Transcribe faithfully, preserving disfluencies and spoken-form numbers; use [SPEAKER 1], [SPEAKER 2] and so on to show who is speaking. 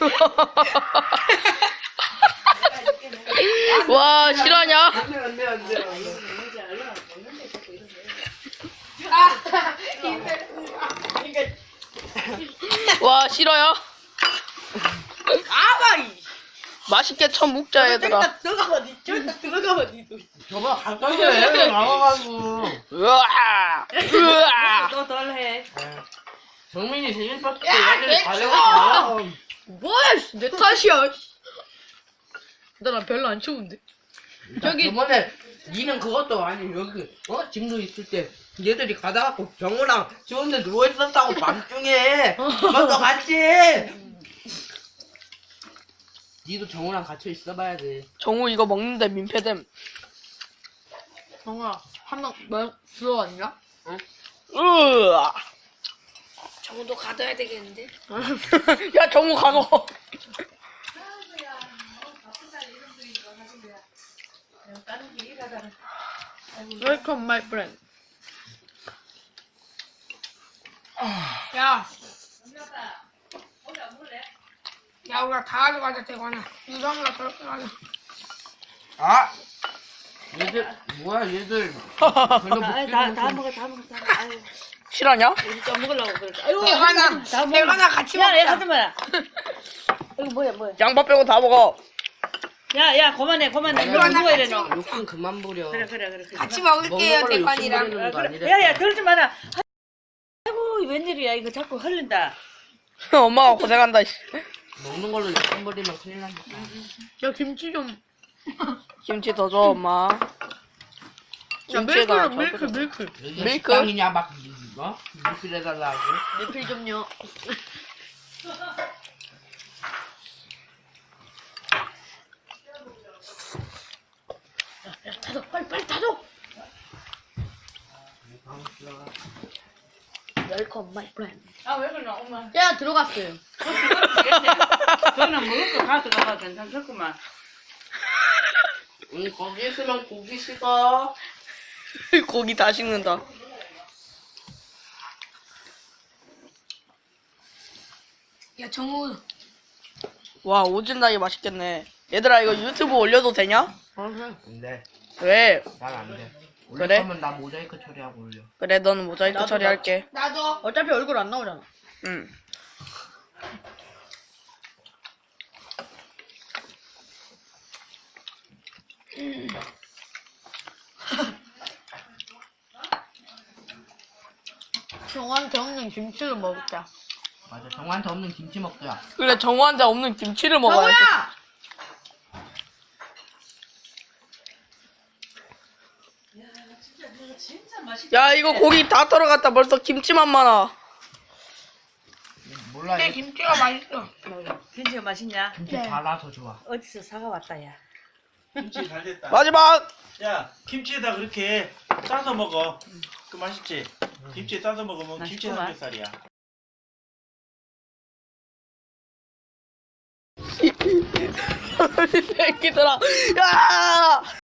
[SPEAKER 1] 와, 실화냐?
[SPEAKER 2] 안돼 안돼 안돼.
[SPEAKER 1] 와, 싫어요?
[SPEAKER 3] 아바이.
[SPEAKER 1] 맛있게 쳐 먹자, 얘들아.
[SPEAKER 3] 들어가봐, 니. 저기다 들어가봐, 니도.
[SPEAKER 2] 저거 가까이 해. 나와가지고.
[SPEAKER 1] 으아! 으아!
[SPEAKER 3] 너덜 해.
[SPEAKER 2] 정민이 생일 파티 때 애들이 가려고.
[SPEAKER 1] 뭐야, 씨, 내 탓이야. 나 별로 안 추운데.
[SPEAKER 2] 저기 저번에 니는 그것도 아니 여기 어 짐도 있을 때 얘들이 가다가 정우랑 추운데 누워 있었다고 밤중에 그것도 같이. 니도 정우랑 같이 있어봐야 돼.
[SPEAKER 1] 정우 이거 먹는데 민폐됨.
[SPEAKER 4] 정아, 한명 뭐, 들어왔냐?
[SPEAKER 1] 으아!
[SPEAKER 5] 정우도 가둬야 되겠는데?
[SPEAKER 1] 야, 정우 가고.
[SPEAKER 4] Welcome, my friend. 야. 야, 우리가 다 가져가자, 대관아. 유성이가 저렇게 가자.
[SPEAKER 2] 아 얘들 뭐야 얘들 별로
[SPEAKER 3] 다,
[SPEAKER 2] 먹지도
[SPEAKER 3] 다, 다
[SPEAKER 2] 못해.
[SPEAKER 3] 먹어, 다 먹어, 다 먹어. 아유,
[SPEAKER 1] 실화냐?
[SPEAKER 3] 우리 또 먹으려고 그래. 아이고,
[SPEAKER 4] 대관아,
[SPEAKER 3] 다 먹어.
[SPEAKER 4] 대관아 같이
[SPEAKER 3] 야, 야,
[SPEAKER 4] 먹자.
[SPEAKER 3] 하지 마라. 이거 뭐야, 뭐야.
[SPEAKER 1] 양파 빼고 다 먹어.
[SPEAKER 3] 야, 야, 그만해, 그만해.
[SPEAKER 2] 아니,
[SPEAKER 3] 이거
[SPEAKER 2] 아니,
[SPEAKER 3] 누가 이래, 너.
[SPEAKER 2] 욕심 그만 부려.
[SPEAKER 3] 그래, 그래, 그래. 그래.
[SPEAKER 4] 같이
[SPEAKER 2] 먹는
[SPEAKER 4] 먹을게요,
[SPEAKER 2] 걸로 욕심
[SPEAKER 4] 대관이랑.
[SPEAKER 2] 부리는 거 아니래.
[SPEAKER 3] 야, 야, 그러지 마라. 아이고, 웬일이야. 이거 자꾸 흘린다.
[SPEAKER 1] 엄마가 고생한다, 씨.
[SPEAKER 2] 먹는 걸로 욕심 부리면 큰일 난다.
[SPEAKER 4] 야, 김치 좀.
[SPEAKER 1] 김치 더 줘, 엄마.
[SPEAKER 4] 야,
[SPEAKER 1] 김치에다
[SPEAKER 4] 밀크, 밀크,
[SPEAKER 1] 저기다.
[SPEAKER 4] 밀크.
[SPEAKER 2] 여기
[SPEAKER 1] 밀크?
[SPEAKER 2] 식당이냐 막 뭐? 밀크 해달라고.
[SPEAKER 4] 리필 좀요.
[SPEAKER 3] 타줘, 빨리, 빨리 타줘. Welcome, my friend.
[SPEAKER 4] 아, 왜 그러나, 엄마. 야, 들어갔어요.
[SPEAKER 3] 저는 먹을 거 가져가봐 괜찮겠구만.
[SPEAKER 2] 응 거기 있으면 고기 식어.
[SPEAKER 1] 고기 다 식는다.
[SPEAKER 4] 야, 정우.
[SPEAKER 1] 와, 오진다기 맛있겠네. 얘들아, 이거 유튜브 올려도 되냐?
[SPEAKER 2] 안돼.
[SPEAKER 1] 왜?
[SPEAKER 2] 난 안돼.
[SPEAKER 1] 그래?
[SPEAKER 2] 올릴 거면 나 모자이크 처리하고 올려.
[SPEAKER 1] 그래, 너는 모자이크
[SPEAKER 3] 나도,
[SPEAKER 1] 처리할게.
[SPEAKER 4] 나도.
[SPEAKER 3] 어차피 얼굴 안 나오잖아.
[SPEAKER 1] 응.
[SPEAKER 4] 정한테 없는 김치를 먹자.
[SPEAKER 2] 맞아 정한테 없는 김치 먹자.
[SPEAKER 1] 그래, 정우한테 없는 김치를 먹어야지.
[SPEAKER 4] 정우야!
[SPEAKER 1] 야, 이거 고기 다 털어갔다. 벌써 김치만 많아.
[SPEAKER 2] 몰라.
[SPEAKER 4] 내
[SPEAKER 2] 얘
[SPEAKER 4] 김치가 맛있어.
[SPEAKER 3] 김치가 맛있냐?
[SPEAKER 2] 김치 달아서 좋아.
[SPEAKER 3] 어디서 사가 왔다, 야.
[SPEAKER 6] 김치 잘 됐다.
[SPEAKER 1] 마지막!
[SPEAKER 6] 야, 김치에다 그렇게 싸서 먹어. 그 맛있지? 김치에 싸서 먹으면 김치
[SPEAKER 3] 맛있구만.
[SPEAKER 6] 삼겹살이야.
[SPEAKER 1] 새끼들아. 야!